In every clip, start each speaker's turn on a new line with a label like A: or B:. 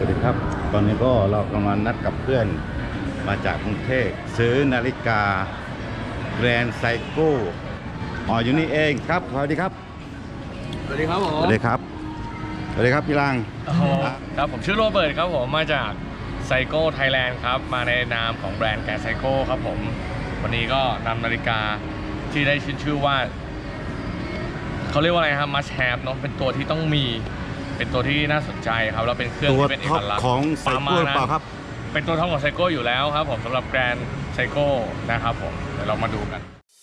A: วัสดีครับตอนนี้ก็เรากำลังนัดกับเพื่อนมาจากกรุงเทพซื้อนาฬิกาแกรนด์ไซโก้อยู่นี่เองครับสวัสดีครับ
B: สวัสดีครับผม
A: สวัสดีครับสวัสดีครับพี่ลัง
B: ครับผมชื่อโรเบิร์ตครับผมมาจากไซโก้ไทยแลนด์ครับมาในนามของแบรนด์แกรนด์ไซโก้ครับผมวันนี้ก็นำนาฬิกาที่ได้ชื่อว่าเขาเรียกว่าอะไรครับ must have เนาะเป็นตัวที่ต้องมีเป็นตัวที่น่าสนใจครับแล้วเป็นเครื่อง
A: ตัว
B: ที่เป็นเอ
A: ท็อป
B: กลักษณ์
A: ของไซโก้หรือเปล่าครับ
B: เป็นตัวท็อปของไซโก้อยู่แล้วครับผมสำหรับแกรนด์ไซโก้นะครับผมเดี๋ยวเรามาดูกัน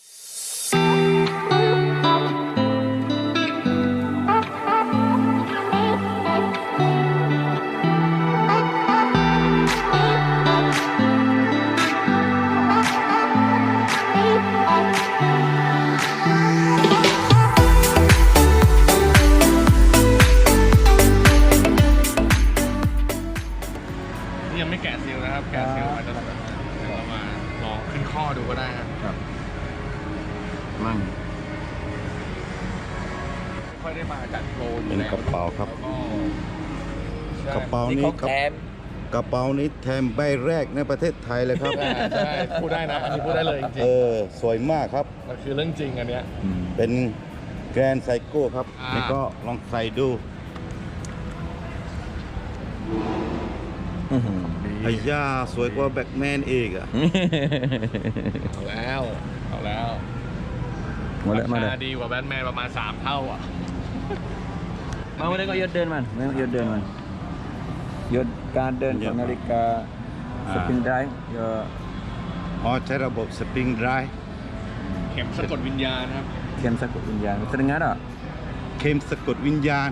B: ยังไม่แกะซีลนะครับแกะซีลอาจจะเรามาลองขึ้นข้อดูก็ได้ครับ
A: มั่ง
B: ค่อยได้มาจัดโปร
A: เป็นกระเป๋าครับกระเป๋า
C: นี่
A: นี้
C: เขาแถม
A: กระเป๋านี้แถมใบแรกในประเทศไทยเลยครับ
B: ใช่พูดได้นะอันนี้พูดได้เลยจริง
A: สวยมากครับ
B: ๆมันคือเรื่องจริงอันเนี้ย
A: เป็นแกรนด์ไซโก้ครับนี่ก็ลองใส่ดูไอ้ย่าสวยกว่าแบ็คแมนอีกอ่ะ
B: เอาแล้วราคาดีกว่าแบทแมนประมาณ3 เท่าอ่ะ
C: มาวันนี้ก็ยศเดินมันไม่ยศเดินมันยศการเดินของนาฬิกาสปริงไดรฟ์
A: ใช้ระบบสปริงไดรฟ์
B: เข็มสะกดวิญญาณครับ
C: เข็มสะกดวิญญาณแสดงงั้นอ่ะ
A: เข็มสะกดวิญญาณ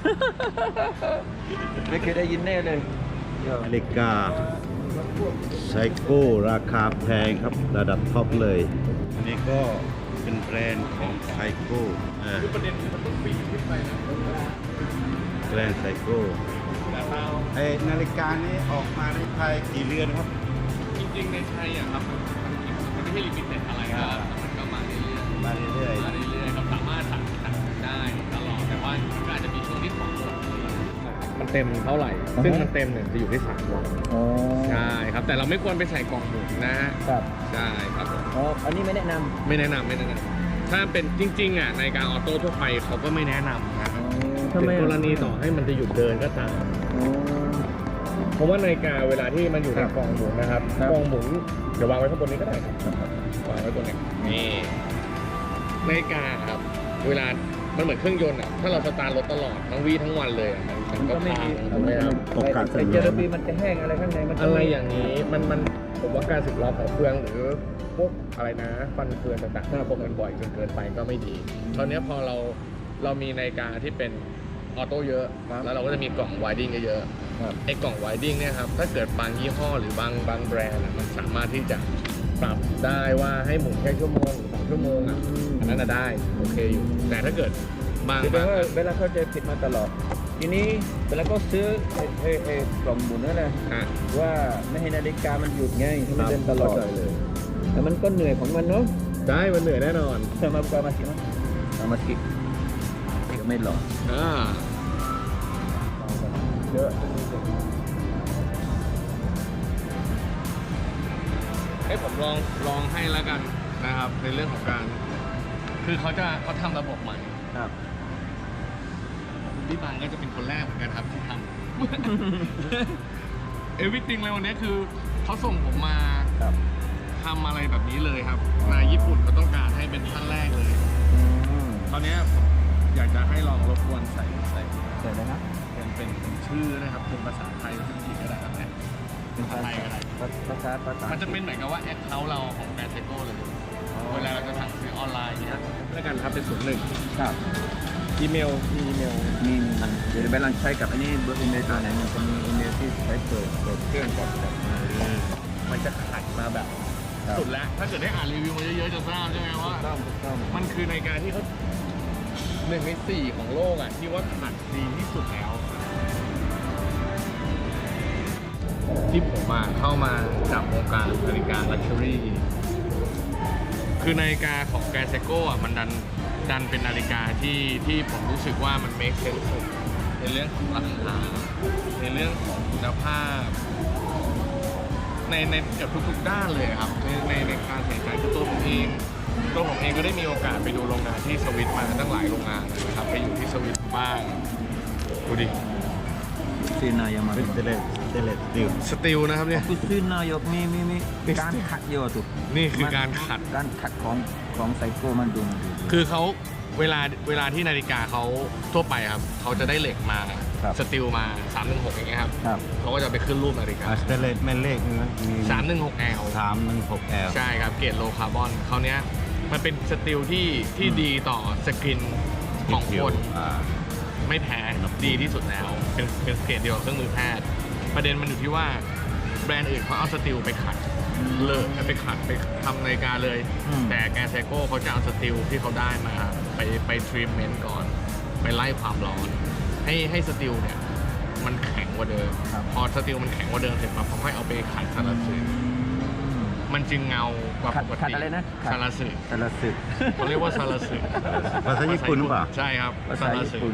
C: ไม่เคยได้ยินแน่เลย
A: นาฬิกาไซโก้ราคาแพงครับระดับท็อปเลยอันนี้ก็เป็นแบรนด์ของไซโก้
B: ประเด็นคือมันต้องปีนขึ้นไปนะ
A: แบรนด์ไซโก้นาฬิกานี้ออกมาในไทยกี่เรือนครับ
B: จริงๆในไทยอ่ะครับมันไม่ใช่ลิมิเต็ดอะไรครับมันก็มาเรื่อยๆ
A: มาเรื่อย
B: มาเรื่อยๆครับสามารถสั่งได้ตลอดแต่ว่าก็อาจจะมีช่วงที่ของหมดมันเต็มเท่าไหร่ ซึ่งมันเต็มเนี่ยจะอยู่ที่3 วันใช่ครับแต่เราไม่ควรไปใส่กล่องหมุนนะฮะ
C: ครับ
B: ใช่ครับผม
C: อ๋ออันนี้ไม่แนะน
B: ไม่แนะนำถ้าเป็นจริงๆอ่ะในการออโต้ทั่วไปเขาก็ไม่แนะนำนะ
C: ำ
B: เป็นกรณีต่อให้มันจะหยุดเดินก็ตามเพราะว่านาฬิกาเวลาที่มันอยู่ในกล่องหมุนนะครับกล่องหมุนเดี๋ยววางไว้ข้างบนนี้ก็ได้ครับวางไว้บนนี้นี่นาฬิกาครับเวลามันเหมือนเครื่องยนต์อ่ะถ้าเราสตาร์ทรถตลอดทั้งวีทั้งวันเลยอ่ะมันก็พังถูกไหมครับ
A: โอกาส
C: ไอ้เจลาบีมันจะแห้งอะไรข้างในมัน
B: อะไรอย่างนี้มันผมว่าการสึกหรอของเฟืองหรือพวกอะไรนะฟันเฟืองต่างๆถ้าพวกมันบ่อยจนเกินไปก็ไม่ดีตอนนี้พอเรามีนาฬิกาที่เป็นออโต้เยอะแล้วเราก็จะมีกล่องไวดิ้งเยอะไอ้กล่องไวดิ้งเนี่ยครับถ้าเกิดบางยี่ห้อหรือบางแบรนด์มันสามารถที่จะปรับได้ว่าให้หมุนแค่ชั่วโมงหรือ2 ชั่วโมงอ่ะอันนั้นได้โอเคอยู่แต่ถ้าเกิดบาง
C: คือแปลว่าเวลาเขาจะผิดมาตลอดทีนี้เวลาก็ซื้อไอ้กล่องหมุนนั่นแหละ
B: อ่ะ
C: ว่าไม่ให้นาฬิกามันหยุดไงให้มันเดินตลอดเลยแต่มันก็เหนื่อยของมันเนาะ
B: ได้มันเหนื่อยแน่นอน
C: sama buka masih mas sama sikitไม่หรอ
B: เยอะให้ผมลองให้แล้วกันนะครับในเรื่องของการคือเขาทำระบบใหม่
C: ครับ
B: พี่บางก็จะเป็นคนแรกเหมือนกันครับที่ทำ everything เลยวันนี้คือเขาส่งผมมา
C: ครับ
B: ทำอะไรแบบนี้เลยครับนายญี่ปุ่นเขาต้องการให้เป็นท่านแรกเลย ตอนนี้ผมอยากจะให้ลองรบกวนใส่
C: เสร็จแล้วนะ
B: เป็นชื่อนะครับเป็นภาษาไทยภาษาอังกฤษก็ได้ครับเนี่ยภาษาไทยก็ได้
C: ภาษา
B: มันจะเป็นเหมือนกับว่าแอคเคาท์เราของแบรนด์ไซโก้เลยเวลาเราจะสั่งซื้อออนไลน์เนี่ยแล้วกันครับเป็น01
C: ครับ
B: อีเมล
C: มีมันเดี๋ยวเวลาใช้กับอันนี้เบอร์อีเมลตัวไหนมันจะมีอีเมลที่ใช้เปิดเครื่องก่อนแบบ
B: มันจะขัดมาแบบสุดแล้วถ้าเกิดได้อ่านรีวิวมาเยอะๆจะทราบใช่ไหมว่า
C: ต้อง
B: มันคือในการที่เขา1 ใน 4ของโลกอ่ะที่ว่าขัดดีที่สุดแล้ว ที่ผมเข้ามาจับวงการนาฬิกาลักชัวรี่คือนาฬิกาของแกรนด์ไซโก้อ่ะมันดันเป็นนาฬิกาที่ผมรู้สึกว่ามัน make sense สุดในเรื่องของราคาในเรื่องของคุณภาพในเกือบทุกๆด้านเลยครับในการใส่ใจคือตัวผมเองก็ได้มีโอกาสไปดูโรงงานที่สวิตมาตั้งหลายโรงงานนะครับไปอยู่ที่สวิตบ้างดูดิ
C: Sina yang mana?
A: Stainless steel
B: สตีลนะครับเนี่ย
C: Aku Sina yok miการขัดเยอะตุก
B: นี่คือการขัด
C: การขัดของไซโก้มันดู
B: คือเขาเวลาที่นาฬิกาเขาทั่วไปครับเขาจะได้เหล็กมา
C: ครับ
B: สตีลมา316อย่างเงี้ยครับ
C: ครับ
B: เขาก็จะไปขึ้นรูปนาฬิกา
A: Stainless แม่เลขนึงนะมี
B: 316L
A: 316L
B: ใช่ครับเกรดโลคาร์บอนเขาเนี้ยมันเป็นสตีลที่ดีต่อสกินของคน ไม่แพ้ดีที่สุดแล้วเป็นเกรดเดียวกับเครื่องมือแพทย์ประเด็นมันอยู่ที่ว่าแบรนด์อื่นเขาเอาสตีลไปขัดเลยไปขัดไปทำนาฬิกาเลย แต่แกรนด์ไซโก้เขาจะเอาสตีลที่เขาได้มาไปทรีทเมนต์ก่อน ไปไล่ความร้อนให้สตีลเนี่ยมันแข็งกว่าเดิมพอสตีลมันแข็งกว่าเดิมเสร็จปั๊บเขาค่อยเอาไปขัดสารสื่อมันจึงเงากว่าปก
C: ขัด
B: ติ
C: อะไรนะ
B: สารสื่อ
C: สารสึก
B: เขาเรียกว่าสารสื่อ
A: ภาษาญี่ปุ่นหรือเปล่า
B: ใช่ครับ
C: ภาษาญี่ปุ่น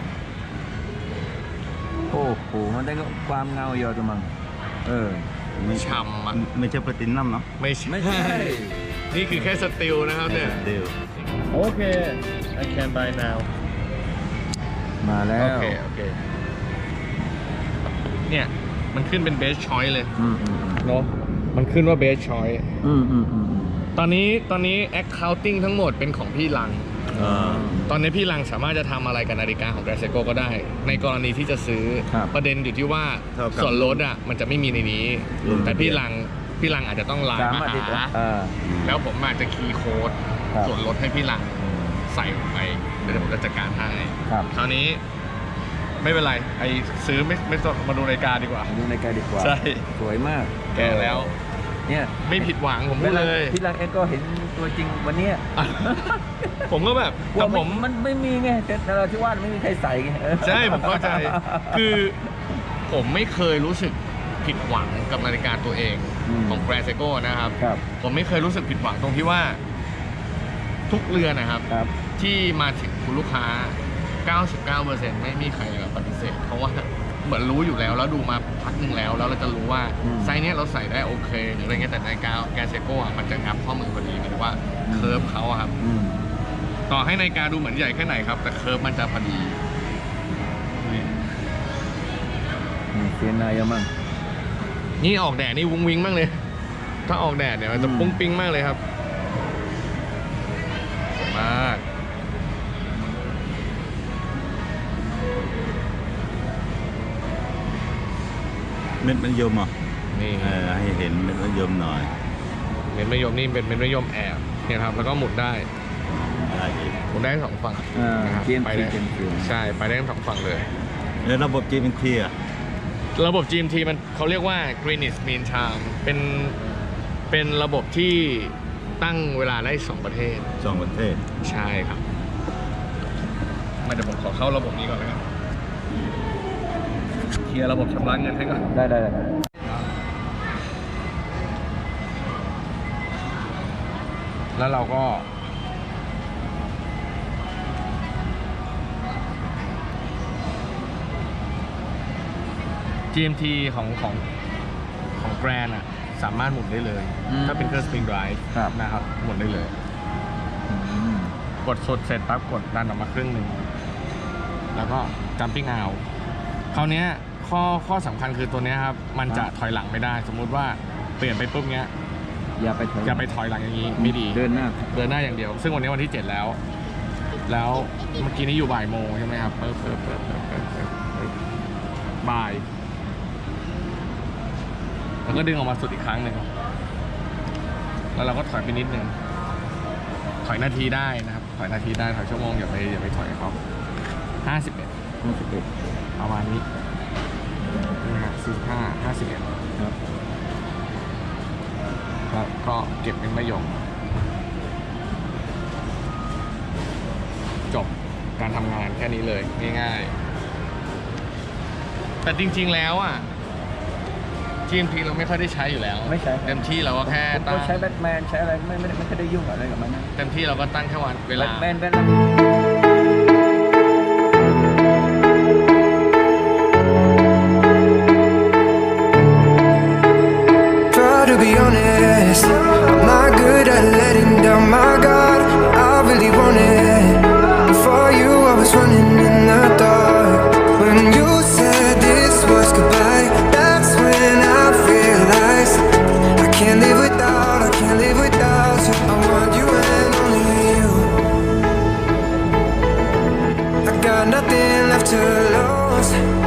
C: โอ้โหมันได้ความเงาเยอะจังมั้ง
B: ช่ำอ่ะ
A: ไม่ใช่แพลตินัมเนาะ
B: ไม่ใช่ นี่คือแค่สตีลนะครับเนี่ย
A: Steel
B: โอเค I can buy now
C: มาแล้ว
B: โอเคเนี่ยมันขึ้นเป็น best choice เลยเนาะมันขึ้นว่า best choice ตอนนี้ accounting ทั้งหมดเป็นของพี่ลัง ตอนนี้พี่ลังสามารถจะทำอะไรกับนาฬิกาของแกรนด์ไซโก้ก็ได้ ในกรณีที่จะซื้อประเด็นอยู่ที่ว่าส่วนลดอ่ะมันจะไม่มีในนี้ แต่พี่ลังอาจจะต้องไลน์มาหาแล้วผมอาจจะคีย์โค้ดส่วนลดให้พี่ลังใส่ลงไปเดี๋ยวผมจะจัดการให้คราวนี้ไม่เป็นไรไอซื้อไม่ต้องมาดูนาฬิกาดีกว่า
C: ดูนาฬิกาดีกว่า
B: ใช่
C: สวยมาก
B: แก่แล้ว
C: เนี่ย
B: ไม่ผิดหวังผมพูดเลย
C: พี่ลังเองก็เห็นตัวจริงวันเนี้ย
B: ผมก็แบบ
C: ว่า
B: แต่ผม
C: มันไม่มีไงแต่เราที่ว่าไม่มีใครใส่ไง
B: ใช่ผมเข้าใจ คือผมไม่เคยรู้สึกผิดหวังกับนาฬิกาตัวเองของแกรนด์ไซโก้นะครับ ผมไม่เคยรู้สึกผิดหวังตรงที่ว่าทุกเรือนนะครับที่มาถึงคุณลูกค้า 99% ไม่มีใครปฏิเสธเพราะว่าเหมือนรู้อยู่แล้วดูมาพักหนึ่งแล้วเราจะรู้ว่าไซส์เนี้ยเราใส่ได้โอเคหรืออะไรเงี้ยแต่นาฬิกาแกรนด์ไซโก้มันจะงับข้อมือพอดีหมายถึงว่าเคิร์ฟเขาครับต่อให้นาฬิกาดูเหมือนใหญ่แค่ไหนครับแต่เคิร์ฟมันจะพอดี
C: เซียนนายมั่ง
B: นี่ออกแดดนี่วุ้งวิ้งมากเลยถ้าออกแดดเนี่ยมันจะปุ้งปิ้งมากเลยครับสวยมาก
A: เม็ดมันยมอ่ะ
B: นี่
A: ให้เห็นเม็ดมันยมหน่อย
B: เม็ดมะยมนี่เป็นเม็ดมะยมแอบเนี่ยครับแล้วก็หมุนได้
A: อีก
B: หมุนได้ทั้ง2ฝั่งนะครับไปได้ใช่ไปได้ทั้ง2ฝั่งเลย
A: แล้วระบบ GMT อ่ะ
B: ระบบ GMT มันเขาเรียกว่า Greenwich Mean Time เป็นระบบที่ตั้งเวลาได้2ประเทศใช่ครับเดี๋ยวผมขอเข้าระบบนี้ก่อนเลยครับเคลียร์ระบบชำระเงินให้ก่อน
C: ได้
B: แล้วเราก็ GMT ของแบรนด์อ่ะสามารถหมุนได้เลยถ้าเป็นเครื่อง Spring Drive นะครับหมุนได้เลยกดสุดเสร็จปั๊บกดดันออกมาครึ่งหนึ่งแล้วก็ Jumping Out คราวนี้ข้อสำคัญคือตัวนี้ครับมันจะถอยหลังไม่ได้สมมุติว่าเปลี่ยนไปปุ๊บเนี้ย
C: อย่าไป
B: ถอยหลังอย่างนี้ไม่ดี
C: เดินหน้า
B: อย่างเดียวซึ่งวันนี้วันที่7แล้วเมื่อกี้นี้อยู่บ่ายโมงใช่ไหมครับเปิดบ่ายแล้วก็ดึงออกมาสุดอีกครั้งหนึ่งแล้วเราก็ถอยไปนิดนึงถอยนาทีได้นะครับถอยนาทีได้ถอยชั่วโมงอย่าไปถอยเขา51ประมาณนี้นะฮะ45 51ครับแล้วก็เก็บเป็นมะยมจบการทำงานแค่นี้เลยง่ายๆแต่จริงๆแล้วอ่ะGMT เราไม่ค่อยได้ใช้อยู่แล้ว
C: ไม่ใช้
B: เต็มที่เราก็แค่ตั้ง
C: ใช้แบทแมนใช้อะไรไม่ค่อยได้ยุ่งอะไรกับมันนะ
B: เต็มที่เราก็ตั้งแค่วันเวลา
C: แบทแมน
D: to lose.